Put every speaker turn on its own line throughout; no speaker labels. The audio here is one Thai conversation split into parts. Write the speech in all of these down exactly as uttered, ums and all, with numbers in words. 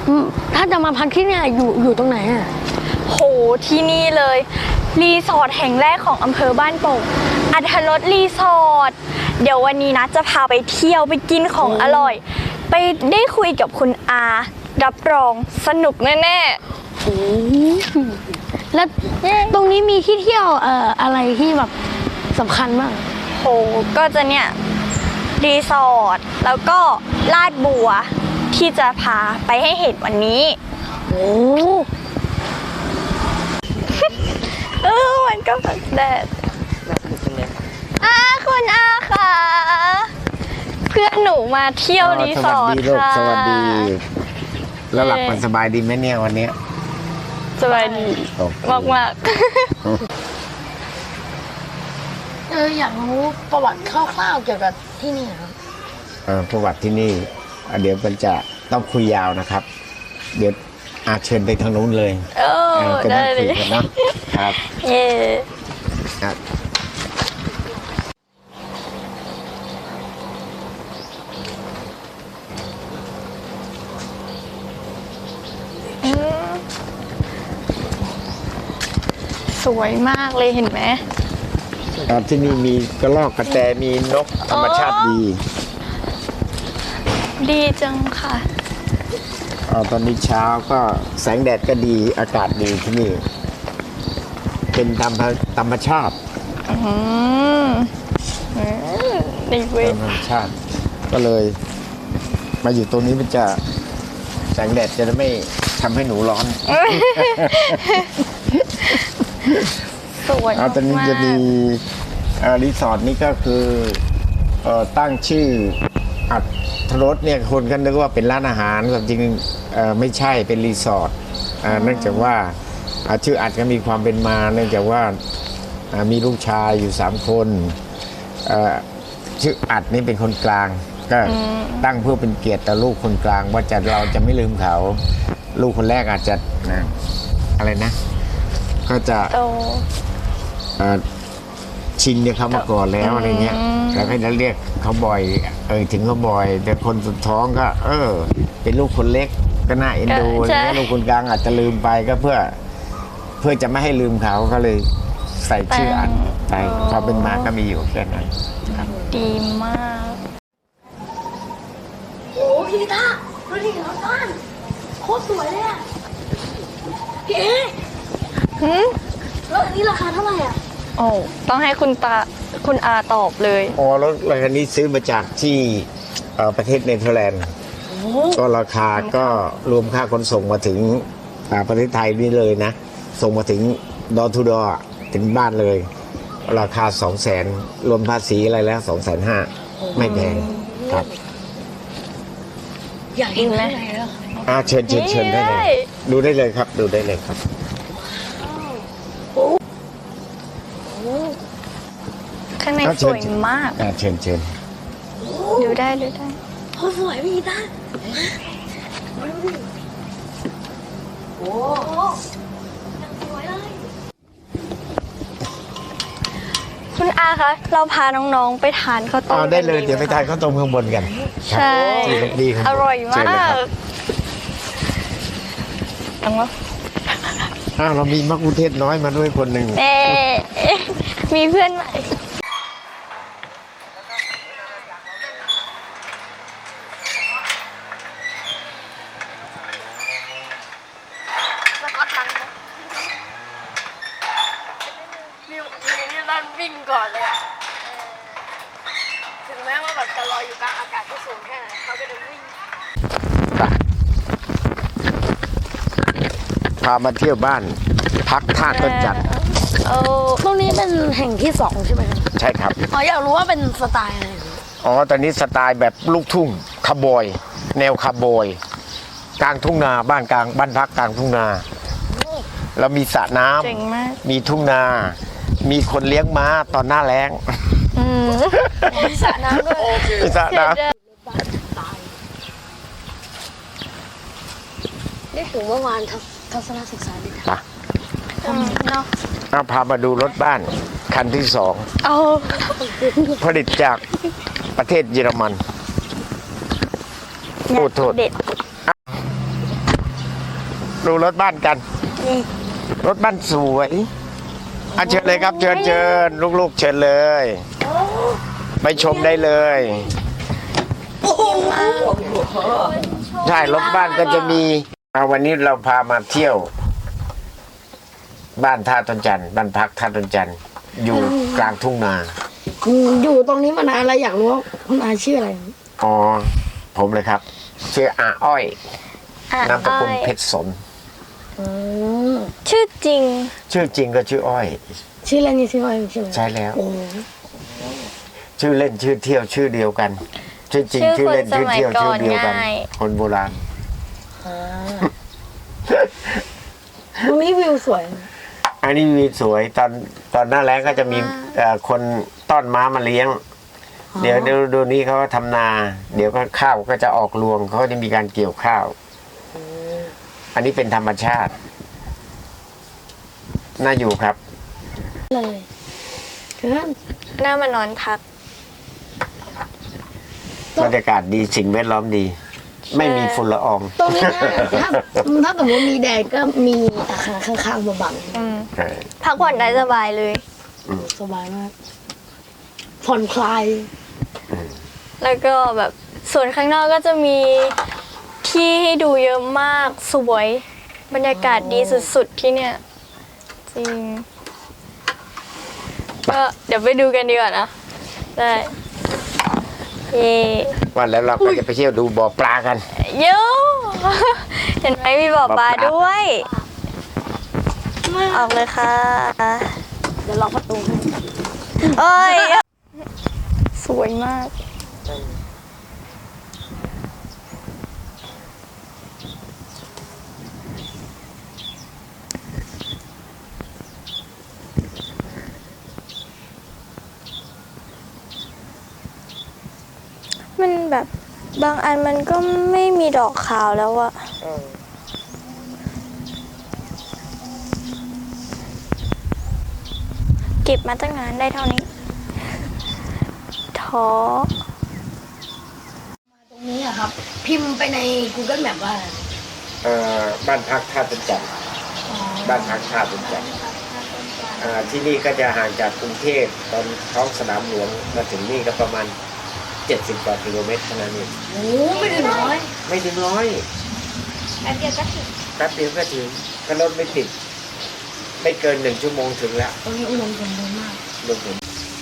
ถ้าจะมาพักที่เนี่ยอยู่อยู่ตรงไหนอ่ะ
โหที่นี่เลยรีสอร์ทแห่งแรกของอำเภอบ้านโป่งอรรถรสรีสอร์ทเดี๋ยววันนี้นะจะพาไปเที่ยวไปกินของอร่อยไปได้คุยกับคุณอารับรองสนุกแน่
โอ้แล้วตรงนี้มีที่เที่ยวเอ่ออะไรที่แบบสำคัญบ้าง
โหก็จะเนี่ยรีสอร์ทแล้วก็ลาดบัวที่จะพาไปให้เห็นวันนี้
โอ้
เออมันก็แบบแดดอาคุณอาค่ะเพื่อนหนูมาเที่ยวรีสอร์ทค่ะ
สวัสดีแล้วหลับมันสบายดีไหมเนี่ยวันนี้
สบายดีมากมาก
เอออยากรู้ประวัติคร่าวๆเกี่ยวกับที่นี่ครับ
เออประวัติที่นี่เดี๋ยวมันจะต้องคุยยาวนะครับเดี๋ยวอาเชิญไปทางนู้นเลย
เออได้เลย
นะครับ
เย่
ครับ
สวยมากเลยเห็นไหม
ที่นี่มีกระรอกกระแตมีนกธรรมชาติดี
ดีจังค่ะ
ตอนนี้เช้าก็แสงแดดก็ดีอากาศดีที่นี่เป็นธรรมธรรมชาติ
อืมดีเว้ย
ธรรมชาติก็เลยมาอยู่ตรงนี้มันจะแสงแดดจะไม่ทำให้หนูร้อน
สวยมาก
ตอนนี้จะมีรีสอร์ทนี้ก็คือตั้งชื่ออัดรถเนี่ยคนก็นึกว่าเป็นร้านอาหารแต่จริงไม่ใช่เป็นรีสอร์ทเนื่องจากว่าชื่ออัดก็มีความเป็นมาเนื่องจากว่ามีลูกชายอยู่สามคนชื่ออัดนี่เป็นคนกลางก็ตั้งเพื่อเป็นเกียรติต่อลูกคนกลางว่าจะเราจะไม่ลืมเขาลูกคนแรกอาจจะนะอะไรนะก็จะชินเนี่ยเขามาก่อนแล้วอะไรเงี้ยแล้วก็จะเรียกเขาบ่อยเออถึงเขาบ่อยแต่คนสุดท้องก็เออเป็นลูกคนเล็กก็น่าเอ็นดูแล้วลูกคนกลางอาจจะลืมไปก็เพื่อเพื่อจะไม่ให้ลืมเขาก็เลยใส่ชื่ออันไปพอเป็นมาก็มีอยู่แค่นั้น
ดีมาก
โอ้พี่ตาดูดิรถบ้านโคตรสวยเลยอ่ะพี่เอ๋
หืม
แล้วอันนี้ราคาเท่าไหร่อ่ะ
โอ้ต้องให้คุณตาคุณอาตอบเลย
อ๋อแล้วรถคันนี้ซื้อมาจากที่ประเทศเนเธอร์แลนด์ก็ราคาก็รวมค่าขนส่งมาถึงประเทศไทยนี่เลยนะส่งมาถึงดอทูดอถึงบ้านเลยราคาสองแสนรวมภาษีอะไรแล้วสองแสนห้าไม่แพงครับ
อยากเห็นไหม
อ่าเชิญเชิญเชิญได้เลยดูได้เลยครับดูได้เลยครับ
ข้างในสวยมาก
อ่าเชิญเชิญ
ดูได้ดูได้
โอ้สวยพี่ตาโอ้สวยเลย
คุณอาคะเราพาน้องๆไปทานข้าวต้ม
ได้เลยเดี๋ยวไปทานข้าวต้มข้างบนกัน
ใช่
ดีครับ
อร่อยมากตังวะ
อ้าวเรามีมะกุเทศน้อยมาด้วยคนหนึ่ง
เอ๊มีเพื่อนใหม่
วิ่งก่อนเลยอ่ะถึงแม้ว่าแบบจะลอยอยู่กลางอากาศที่สูงแค่ไหนเขาก็จะวิ่ง
พามาเที่ยวบ้านพักท่าต้นจันทร์
เออตรงนี้เป็นแห่งที่สองใช่ไหมครับ
ใช่ครับ
อ๋ออยากรู้ว่าเป็นสไตล์อะไร
อ๋อตอนนี้สไตล์แบบลูกทุ่งคาร์บอยแนวคาร์บอยกลางทุ่งนาบ้านกลางบ้านพักกลางทุ่งนาเรามีสระน้ำมีทุ่งนามีคนเลี้ยงม้าตอนหน้าแล้ง
มีสระน้ำด้วย
มีสระน้ำ
นี่ถึงเมื่อวานทัศนศึกษาดีค่ะ
เนาะ
เอาพามาดูรถบ้านคันที่สองผลิตจากประเทศเยอรมันโอ้โทษดูรถบ้านกัน รถบ้านสวยอ่ะเชิญเลยครับ เชิญเชิญลูกๆเชิญเลย ไปชมได้เลยใช่รถบ้านก็จะมีอ่ะวันนี้เราพามาเที่ยว บ้านท่าต้นจันทร์บ้านพักท่าต้นจันทร์อยู่กลางทุ่งนา
อยู่ตรงนี้มานานแล้วอยากรู้ว่าคุณอาชื่ออะไร
อ๋อผมเลยครับชื่ออาอ้อย
อ่ะ
นามสกุล
อ้อย
เพชรสน
อืม
ชื่อจริง
ชื่อจริงก็ชื่ออ้อย
ชื่ออะไรนี่ชื่ออะไรใช่ไหม
ใช่แล้ว
โอ้
ชื่อเล่นชื่อเที่ยวชื่อเดียวกัน ชื่อจริง
ชื่
ชื่
อ
อ
คน
เล่นชื่อเที่ยว
สมัยก่
ชื่
อ
อน เดียวกัน
ง่าย
คนโบราณ
อ่าตรงนี้วิวสวย
อันนี้มีสวยตอนตอนหน้าแล้งก็จะมีเอ่อคนต้อนม้ามาเลี้ยง เดี๋ยวเดี๋ยวดูนี้เขาก็ทำนา เดี๋ยวก็ข้าวก็จะออกรวงเขาก็จะมีการเกี่ยวข้าว อันนี้เป็นธรรมชาติ น่าอยู่ครับ
เลยเกิน
หน้ามานอนพัก
บรรยากาศดีสิ่งแวดล้อมดี ไม่มีฝุ่นละออง
ตรงนี้นะถ้าถ้าสมมติมีแดดก็มีอาคารข้างๆมาบัง
อืม
ใช่
พักผ่อนได้สบายเลย
สบายมาก ผ่อนคลาย
แล้วก็แบบส่วนข้างนอกก็จะมีที่ให้ดูเยอะมากสวยบรรยากาศดีสุดๆที่เนี่ย จริง ก็เดี๋ยวไปดูกันดีกว่านะ ได้เย่
วันแล้วเราก็จะไปเที่ยวดูบ่อปลากัน
โย่เห็นไหมมีบ่อปลาด้วย ออกเลยค่ะ
เดี๋ยวล็อกประตูให้
เอ้ย สวยมาก มันแบบบางอันมันก็ไม่มีดอกขาวแล้วอะเก็บมาตั้งนานได้เท่านี้ท้อ
ตรงนี้อะครับ พิมพ์ไปใน Google Map ว่า
เอ่อบ้านพักท่าตุนจันทร์บ้านพักท่าตุนจันทร์เอ่อที่นี่ก็จะห่างจากกรุงเทพตอนท้องสนามหลวงมาถึงนี่ก็ประมาณเจ็ดสิบกว่ากิโลเมตรเท่านั้นเอง
โอ้ไม่ถึงร้อย
ไม่ถึงร้อย
แป๊บเดียวก็ถึง
แป๊บเดียวก็ถึงก็รถไม่ติด ไม่เกินหนึ่งชั่วโมงถึงแล้ว
ตรงนี้อุดมสมบูรณ์มาก
ลงถึง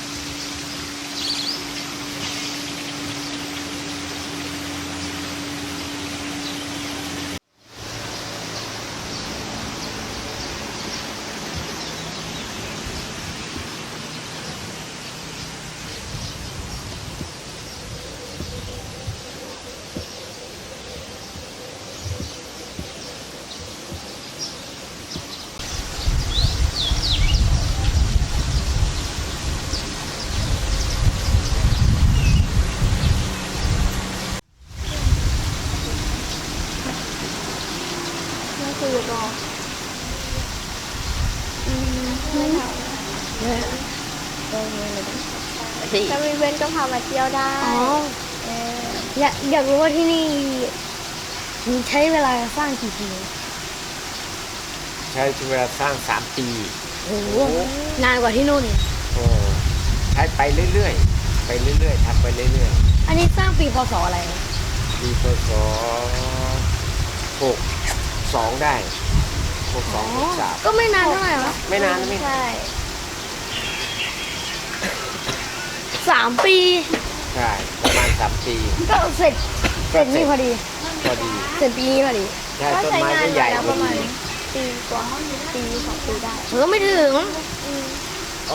นั่นคือรอถ้ามีเว้นก็พามาเที่ยวได้
อ๋อ
เออ
อยากอยากรู้ว่าที่นี่มีใช้เวลาสร้างกี่ปี
ใช้เวลาสร้างสามปี
โอ้โหนานกว่าที่นู่นอีก
โอ้ใช้ไปเรื่อยๆ ไปเรื่อยๆทำไปเรื่อย
อันนี้สร้างปีพศอะไรนะ
ๆปีพศหกสองได้หกสองหกสาม
ก็ไม่นานเท่าไหร่หรอ
ไม่นานนะไม่
ใช่
สามปี
ใช่ประมาณสามปี
ก็เสร็จเส
ก็
ร็จ
เสร็
นี่
จ
พอดี
พอดี
เสร็จปีนี้พอดี
ใช่
ก็
ต้น
ใช้
ไม้
งาน
ก็ให
มา
ญ่
แล้ว
พ
ป
อ
ระมา
ดี
ณปีกว่าปีสองปีได้
เออไม่ถึง
โอ้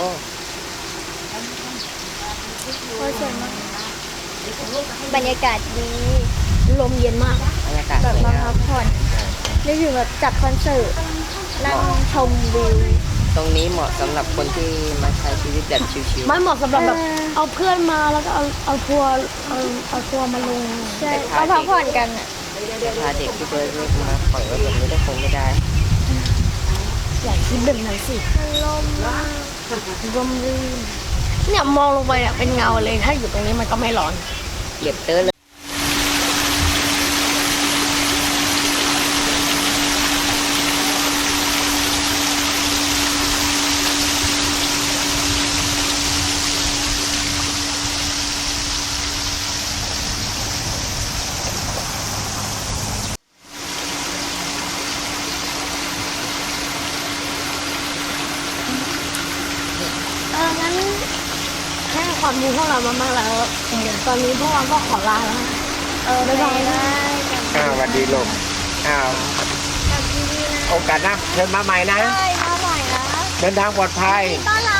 โอ้ยสวยมากบรรยากาศดี
ลมเย็นมาก
บรรยากาศ
แบ
ส
บ
วย
มาง
า
พั
ม
กผ่อนนึกถึงแบบจัดคอนเสิร์ตนั่งชมวิว
ตรงนี้เหมาะสำหรับคนที่มาใช้ชีวิตแบบชิว
มันเหมาะสำหรับแบบ
เออ
เอาเพื่อนมาแล้วก็เอาเอาทัวร์เอาเอาทัวร์มาลง
ใช่มาพักผ่อนกันอ่ะ
ๆพาเด็กที่ตัวเล็กมาปล่อยไว้แบบนี้ก็คงไม่ได้
อยากคิดแบบนั้นสิ
มันลมมาก
ลมรื่นเนี่ยมองลงไปเนี่ยเป็นเงาเลยถ้าอยู่ตรงนี้มันก็ไม่ร้อน
เหยียบเตอร์เลย
ดูพวกเรามากๆแล้ว ตอนนี้พวกเราก็ขอลาแล้ว
เออบ๊ายบายนะ
อ้าวสวัสดีลูกอ้าวโอกาสหน้าเชิญมาใหม่นะ
ใช่มาใหม่นะ
เดินทางปลอดภัย
ต้อนรับ